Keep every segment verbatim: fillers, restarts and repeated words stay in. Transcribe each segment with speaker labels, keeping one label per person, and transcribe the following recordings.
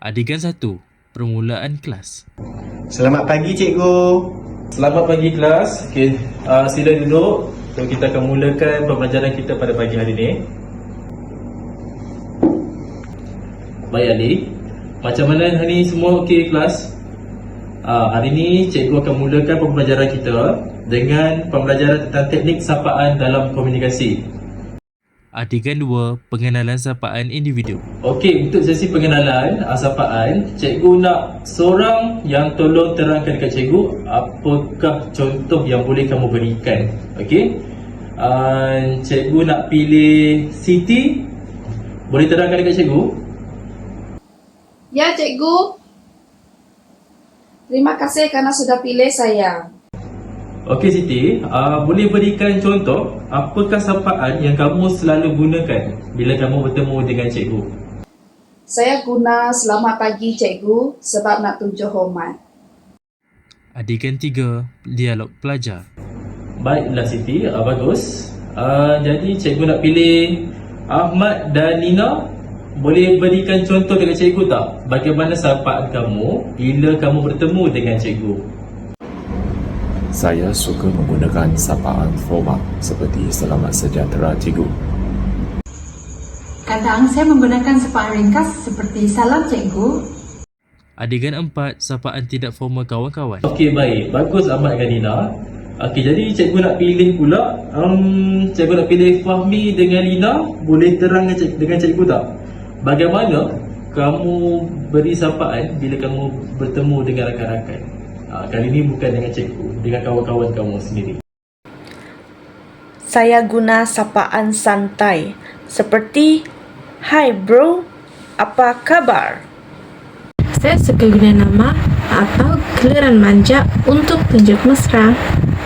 Speaker 1: Adegan satu. Permulaan kelas.
Speaker 2: Selamat pagi cikgu.
Speaker 3: Selamat pagi kelas. Okey, uh, sila duduk. So kita akan mulakan pembelajaran kita pada pagi hari ini. Baik Ali, macam mana hari ini semua okey kelas? Uh, hari ini cikgu akan mulakan pembelajaran kita dengan pembelajaran tentang teknik sapaan dalam komunikasi.
Speaker 1: Adegan dua. Pengenalan sapaan individu.
Speaker 3: Okey, untuk sesi pengenalan uh, sapaan, cikgu nak seorang yang tolong terangkan dekat cikgu apakah contoh yang boleh kamu berikan. Okey, uh, cikgu nak pilih Siti. Boleh terangkan dekat cikgu?
Speaker 4: Ya, cikgu. Terima kasih kerana sudah pilih saya.
Speaker 3: Okey Siti, uh, boleh berikan contoh apakah sapaan yang kamu selalu gunakan bila kamu bertemu dengan cikgu?
Speaker 4: Saya guna selamat pagi cikgu sebab nak tunjuk hormat.
Speaker 1: Adegan tiga. Dialog pelajar.
Speaker 3: Baiklah Siti, uh, bagus. Uh, jadi cikgu nak pilih Ahmad dan Nina. Boleh berikan contoh dekat cikgu tak? Bagaimana sapaan kamu bila kamu bertemu dengan cikgu?
Speaker 5: Saya suka menggunakan sapaan formal seperti selamat sejahtera cikgu.
Speaker 6: Kadang saya menggunakan sapaan ringkas seperti salam cikgu.
Speaker 1: Adegan empat. Sapaan tidak formal kawan-kawan.
Speaker 3: Okey baik, bagus Ahmad dan Nina. Okey, jadi cikgu nak pilih pula um, cikgu nak pilih Fahmi dengan Lina. Boleh terang dengan cikgu, dengan cikgu tak? Bagaimana kamu beri sapaan bila kamu bertemu dengan rakan-rakan? Ha, kali ini bukan dengan cikgu, dengan kawan-kawan kamu sendiri.
Speaker 7: Saya guna sapaan santai seperti "Hai bro, apa kabar?"
Speaker 8: Saya suka guna nama atau giliran manja untuk tunjuk mesra.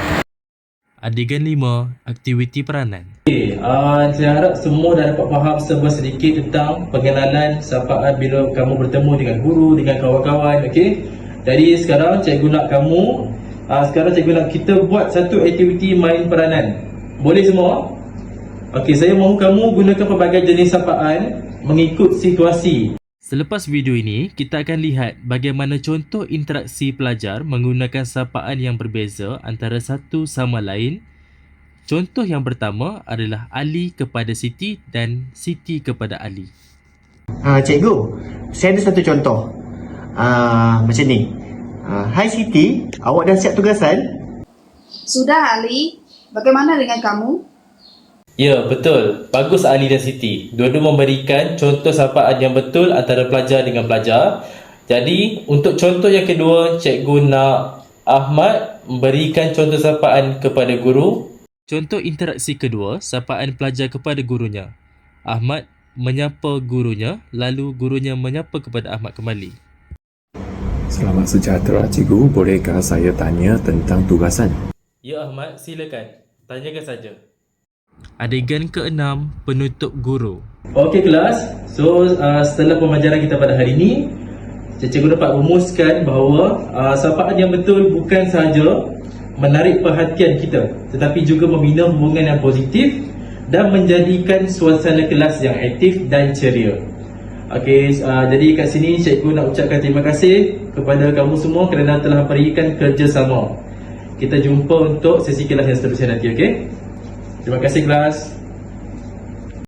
Speaker 1: Adegan lima. Aktiviti peranan.
Speaker 3: Okay, uh, saya harap semua dah dapat faham sebuah sedikit tentang pengenalan sapaan bila kamu bertemu dengan guru, dengan kawan-kawan. Okey. Jadi sekarang cikgu nak kamu uh, Sekarang cikgu nak kita buat satu aktiviti main peranan. Boleh semua? Okey, saya mahu kamu gunakan pelbagai jenis sapaan mengikut situasi.
Speaker 1: Selepas video ini, kita akan lihat bagaimana contoh interaksi pelajar menggunakan sapaan yang berbeza antara satu sama lain. Contoh yang pertama adalah Ali kepada Siti dan Siti kepada Ali.
Speaker 2: Uh, cikgu, saya ada satu contoh. Uh, macam ni. Uh, Hai Siti, awak dah siap tugasan?
Speaker 4: Sudah Ali, bagaimana dengan kamu?
Speaker 3: Ya, betul. Bagus Ali dan Siti. Dua-dua memberikan contoh sapaan yang betul antara pelajar dengan pelajar. Jadi, untuk contoh yang kedua, cikgu nak Ahmad memberikan contoh sapaan kepada guru.
Speaker 1: Contoh interaksi kedua, sapaan pelajar kepada gurunya. Ahmad menyapa gurunya, lalu gurunya menyapa kepada Ahmad kembali.
Speaker 5: Selamat sejahtera cikgu, bolehkah saya tanya tentang tugasan?
Speaker 3: Ya Ahmad, silakan. Tanyakan saja.
Speaker 1: Adegan keenam. Penutup guru.
Speaker 3: Okey kelas, so uh, setelah pembelajaran kita pada hari ini, cikgu dapat rumuskan bahawa uh, sapaan yang betul bukan sahaja menarik perhatian kita, tetapi juga membina hubungan yang positif dan menjadikan suasana kelas yang aktif dan ceria. Okey, uh, jadi kat sini cikgu nak ucapkan terima kasih kepada kamu semua kerana telah berikan kerjasama. Kita jumpa untuk sesi kelas yang seterusnya nanti, okey? Terima kasih kelas.